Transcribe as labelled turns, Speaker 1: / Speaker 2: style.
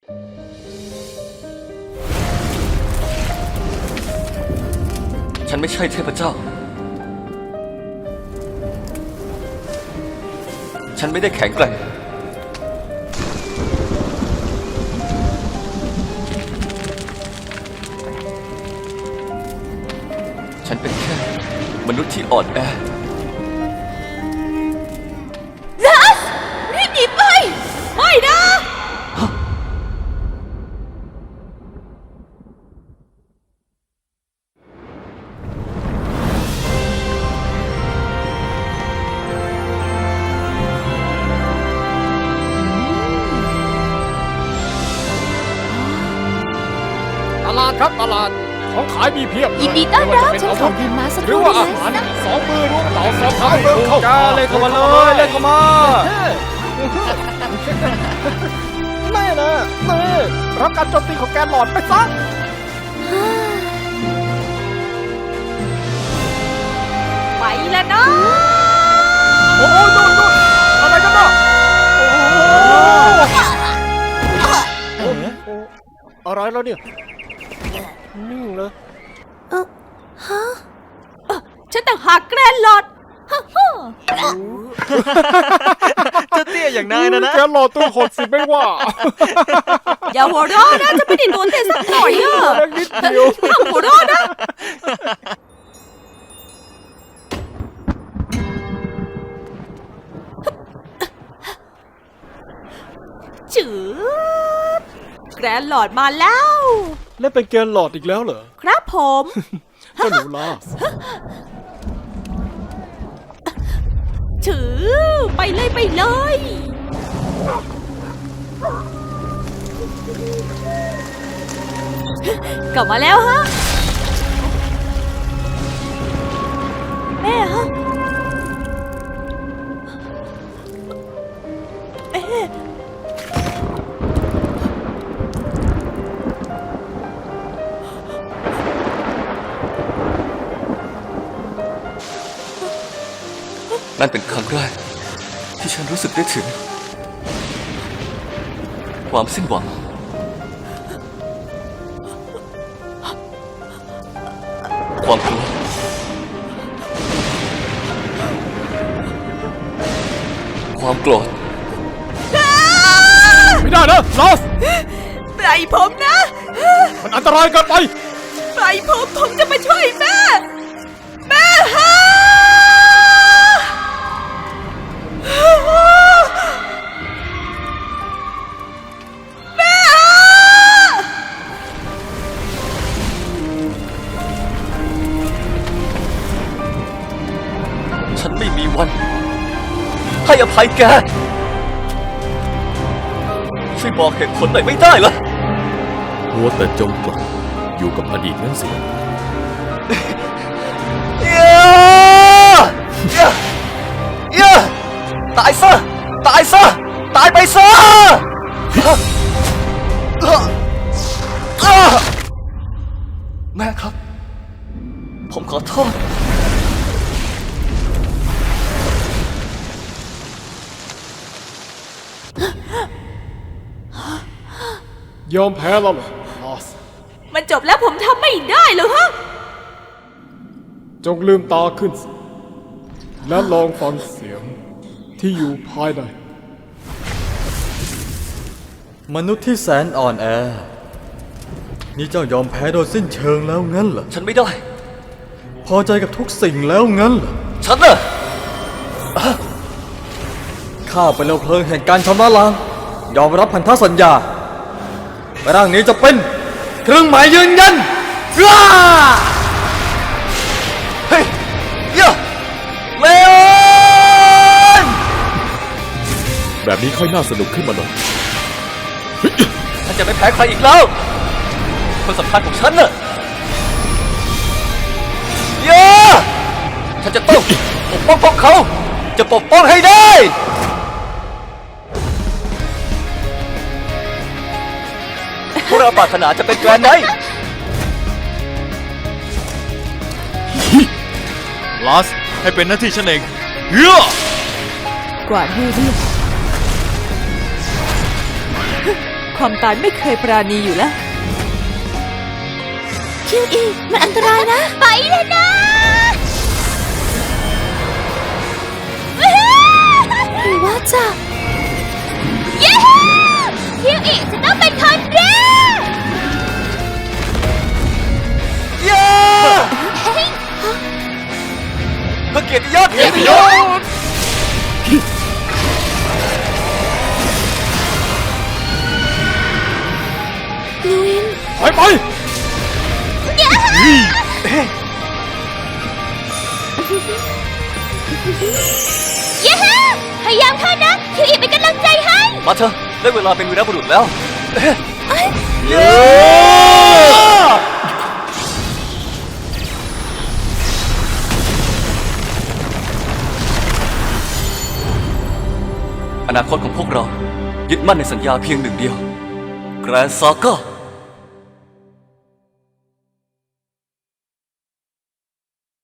Speaker 1: ฉันไม่ใช่เทพเจ้าฉันไม่ได้แข็งแกร่งฉันเป็นแค่มนุษย์ที่อ่อนแอ
Speaker 2: รัสรีบหนีไปไม่นะ
Speaker 3: ตลาดครับตลาดของขายมีเพียบเลย
Speaker 2: ยินดีต้อนรับ
Speaker 3: ไม่ว่าจะ
Speaker 2: ฉัน
Speaker 3: เป็น
Speaker 2: ขอเงินมาสักค
Speaker 3: หรือ
Speaker 2: รู่
Speaker 3: ว่า
Speaker 2: ได้
Speaker 3: อา
Speaker 2: ไหม
Speaker 3: หาร
Speaker 2: นะ
Speaker 3: สองมือรวมเต่าสองเท้า
Speaker 4: จ้าเลยเข้ามาเลยเล่นเข้ามา
Speaker 3: แน่นะแน่รับการโจมตีของแกนหลอดไปซะ
Speaker 2: ไปแล้วนะ
Speaker 3: โอ้โหดูอะไรกันเนาะโอ้โหอะไรแล้วเนี่ยนิ่งเลย
Speaker 2: ฉันต่างหากแกรนหลอดฮ่าฮ่า
Speaker 4: จะเตี้ยอย่างนายนะ
Speaker 3: แกนหลอดตัวหดสิไม่ว่า
Speaker 2: อย่าหัวเราะนะจะไม่ได้โดนเตะสักหน่อยอ่ะ
Speaker 3: เล็กนิดเดียว
Speaker 2: ห้ามหัวเราะนะจืดแกรนหลอดมาแล้ว
Speaker 3: เล่นเป็นแกนหลอดอีกแล้วเหรอ
Speaker 2: ครับผม
Speaker 3: เจ้าหนูล่า
Speaker 2: ถือไปเลยไปเลย กลับมาแล้วฮะ แม่ฮะเอ๊ะ
Speaker 1: นั่นเป็นครั้งแรกที่ฉันรู้สึกได้ถึงความสิ้นหวังความกลัวความโกรธ
Speaker 3: ไม่ได้นะลอส
Speaker 2: ปล่อยผมนะ
Speaker 3: มันอันตรายเกินไป
Speaker 2: ปล่อยผมจะมาช่วยแม่ แม่ฮะแม่ฮะ
Speaker 1: ฉันไม่มีวันให้อภัยแกช่วยบอกเหตุผลหน่อยไม่ได้เหรอ
Speaker 5: หัวแต่จมปลักอยู่กับอดีตนั่นสิ
Speaker 1: ตายซะ ตายซะ ตายไปซะ แม่ครับ ผมขอโทษ
Speaker 3: ยอมแพ้แล้วเหรอลอส
Speaker 2: มันจบแล้วผมทำไม่ได้เหรอฮะ
Speaker 3: จงลืมตาขึ้นสิและลองฟังเสียงที่อยู่ภายใน
Speaker 4: มนุษย์ที่แสนอ่อนแอ นี่เจ้ายอมแพ้โดยสิ้นเชิงแล้วงั้นเหรอ
Speaker 1: ฉันไม่ได้
Speaker 4: พอใจกับทุกสิ่งแล้วงั้นเหรอ
Speaker 1: ฉันน่ะ
Speaker 4: ข้าเป็นเร็วเพลิงแห่งการชำระล้าง ยอมรับพันธสัญญาร่างนี้จะเป็นเครื่องหมายยืนยันว้า
Speaker 1: เฮ้ยเยอะเลออน
Speaker 5: แบบนี้ค่อยน่าสนุกขึ้นมาหน่อย
Speaker 1: ฉันจะไม่แพ้ใครอีกแล้วคนสำคัญของฉันน่ะเยอะฉันจะต้องปกป้องพวกเขา จะปกป้องให้ได้ พวกเราปรารถนาจะเป็นแกรนด์ไนท์
Speaker 5: ลาส ให้เป็นหน้าที่ฉันเองเฮ้ย
Speaker 2: กวาดให้เรียบความตายไม่เคยปราณีอยู่แล้วคิวอีมันอันตรายนะ ไปเลยนะหรือว่าจะเย้คิวอีจะต้องเป็นคนแรก
Speaker 1: เย้เพื่อเกียรติยศเกียรติยศ
Speaker 2: ลูอิน
Speaker 3: ไปไป
Speaker 2: เย้พยายามเข้านะคิวอีเป็นกำลังใจให้
Speaker 1: มาเถอะได้เวลาเป็นวีรบุรุษแล้วเย้ อนาคตของพวกเรายึดมั่นในสัญญาเพียงหนึ่งเดียวแกรนด์ซาก้า